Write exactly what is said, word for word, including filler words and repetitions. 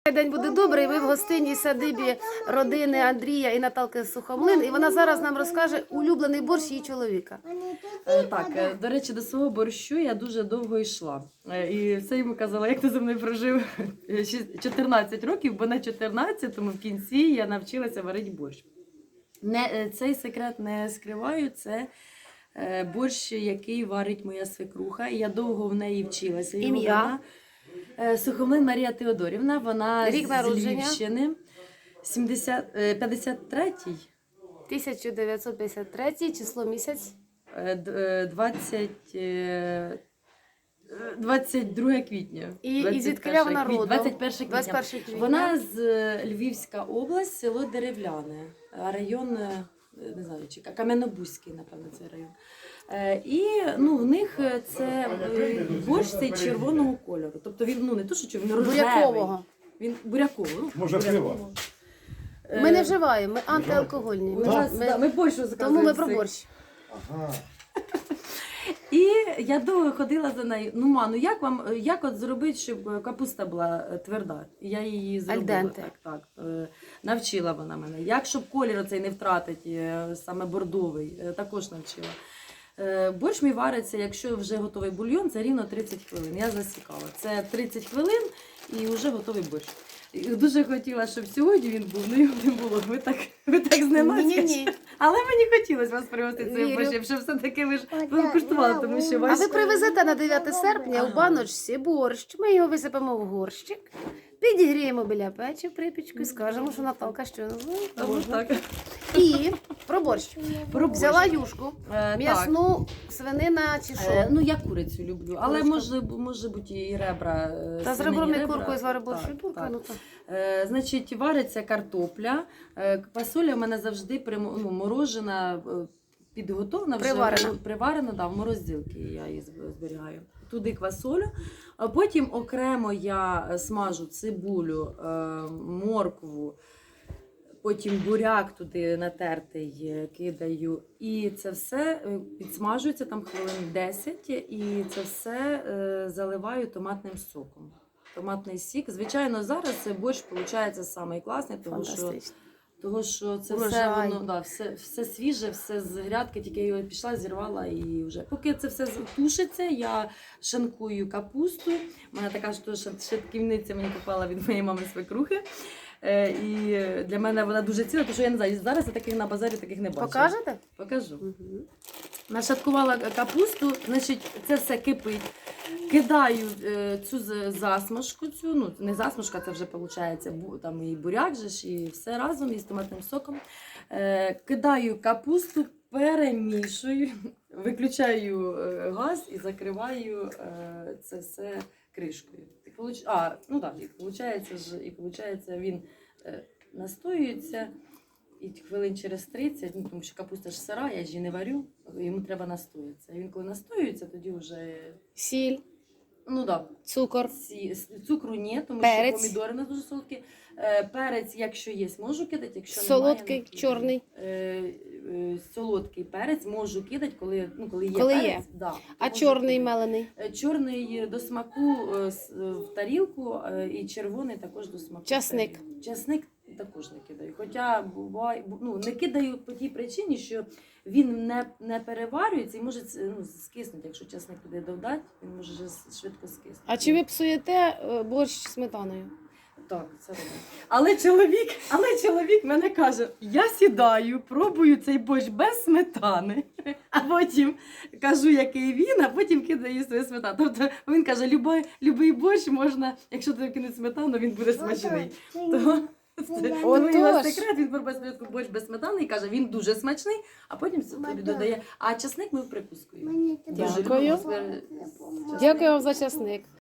День буде добрий. Ми в гостинній садибі родини Андрія і Наталки Сухомлин. І вона зараз нам розкаже улюблений борщ її чоловіка. Е, Так, е, до речі, до свого борщу я дуже довго йшла. Е, І все йому казала, як ти зі мною прожив шість- чотирнадцять років, бо на чотирнадцятому в кінці я навчилася варити борщ. Не, е, цей секрет не скриваю, це е, борщ, який варить моя свекруха. І я довго в неї вчилася. Його Ім'я? вона, е, Сухомлин Марія Теодорівна, вона Рік з народження? Львівщини, сімдесят, е, п'ятдесят третій. тисяча дев'ятсот п'ятдесят третій, число місяць. Е, д- е, двадцять, е, двадцять друге квітня. І- і двадцять звідкиля перше вона квітня, родом? двадцять перше квітня. двадцять перше квітня. Вона з е, Львівська область, село Деревляне, а район, е, не знаю, чи Ка- Кам'янобузький, напевно, цей район. Е, І ну, в них е, це е, борщ цей червоного кольору. Тобто він ну, не то, що червоний, він рожевий. Бурякового. Він буряковий. ну, Може, бурякового. пиво? Е, Ми не вживаємо, ми антиалкогольні. Ми, у нас, ми- да, ми борщ тому заказуємо ми про цей. борщ. Ага. І я довго ходила за нею. Ну, ма, ну як вам, як от зробити, щоб капуста була е, тверда? І я її зробила. Альденте. Так, так. Е, Навчила вона мене. Як, щоб колір оцей не втратити, е, саме бордовий, е, також навчила. Е, Борщ мій вариться, якщо вже готовий бульйон, це рівно тридцять хвилин. Я засікала. Це тридцять хвилин і вже готовий борщ. І дуже хотіла, щоб сьогодні він був, але його не було. Ви так, ви так зненацька. Ні-ні-ні. Але мені хотілося вас привезти цим Вірю. борщем, щоб все-таки ви ж ви куштували, тому що А ваш... ви привезете на дев'яте серпня у Ага. баночці борщ. Ми його висипемо в горщик, підігріємо біля печі в припічку і скажемо, що Наталка що Тому так. І про борщ. Про борщ. Взяла юшку, Е, м'ясну, свинина чи так. що. Е, Ну, я курицю люблю, але Курочка. може, може бути і ребра. е, Та з свинині ребром і ребра. куркою звари борщ Так, і турка. так. Ну, то. Е, Значить, вариться картопля. Е, Квасоля в мене завжди примо- ну, морожена, е, підготовлена, вже Приварена. приварена, да, в морозилці я її зб- зберігаю. Туди квасолю. А потім окремо я смажу цибулю, е, моркву, потім буряк туди натертий е, кидаю. І це все е, підсмажується там хвилин десять, і це все е, заливаю томатним соком. Томатний сік. Звичайно, зараз це борщ виходить самий класний, тому що, Фантастично. тому що це все, Урожай. воно, да, все, все свіже, все з грядки, тільки я його пішла, зірвала і вже. Поки це все тушиться, я шинкую капусту. У мене така ж теж шатківниця мені попала від моєї мами свекрухи. Е, І для мене вона дуже ціла, тому що я не знаю, зараз я таких на базарі таких не бачила. Покажете? Покажу. Угу. Нашаткувала капусту, значить, це все кипить. Кидаю е, цю з- засмажку, цю, ну не засмажка, це вже виходить, бу, там і буряк же ж, і все разом із томатним соком. Е, кидаю капусту, перемішую, виключаю е, газ і закриваю е, це все кришкою. І получ... А, ну так, і виходить, ж, і виходить, він е, настоюється. І хвилин через тридцять, ну, тому що капуста ж сира, я ж її не варю, йому треба настоїтися. Він коли настоюється, тоді вже, Сіль, ну да, цукор. ці, цукру ні, тому Перець. що помідори у нас дуже солодкі. Е, перець, якщо є, можу кидати, якщо Солодкий, немає, не чорний. кидаю. Е, е, солодкий перець можу кидати, коли, ну, коли є Коли є. перець. Да, А можу чорний кидати. мелений? Е, Чорний до смаку е, с- е, в тарілку, е, і червоний також до смаку. в Часник. тарілку. Часник також не кидаю. Хоча буває, бу- ну, не кидаю по тій причині, що він не, не переварюється і може ну, скиснути. Якщо часник туди додати, він може вже с- швидко скиснути. А чи ви псуєте е, борщ з сметаною? Так, це робить. Але чоловік, але чоловік мене каже: я сідаю, пробую цей борщ без сметани, а потім кажу, який він, а потім кидаю свою сметану. Тобто він каже, любий, любий борщ можна, якщо туди кинуть сметану, він буде смачний. Тому це тому його Отож. секрет, він пробує спочатку борщ без сметани і каже, він дуже смачний, а потім собі додає. А часник ми в прикуску. їмо. Дуже Дякую. любимо з- з часником. Дякую вам за часник.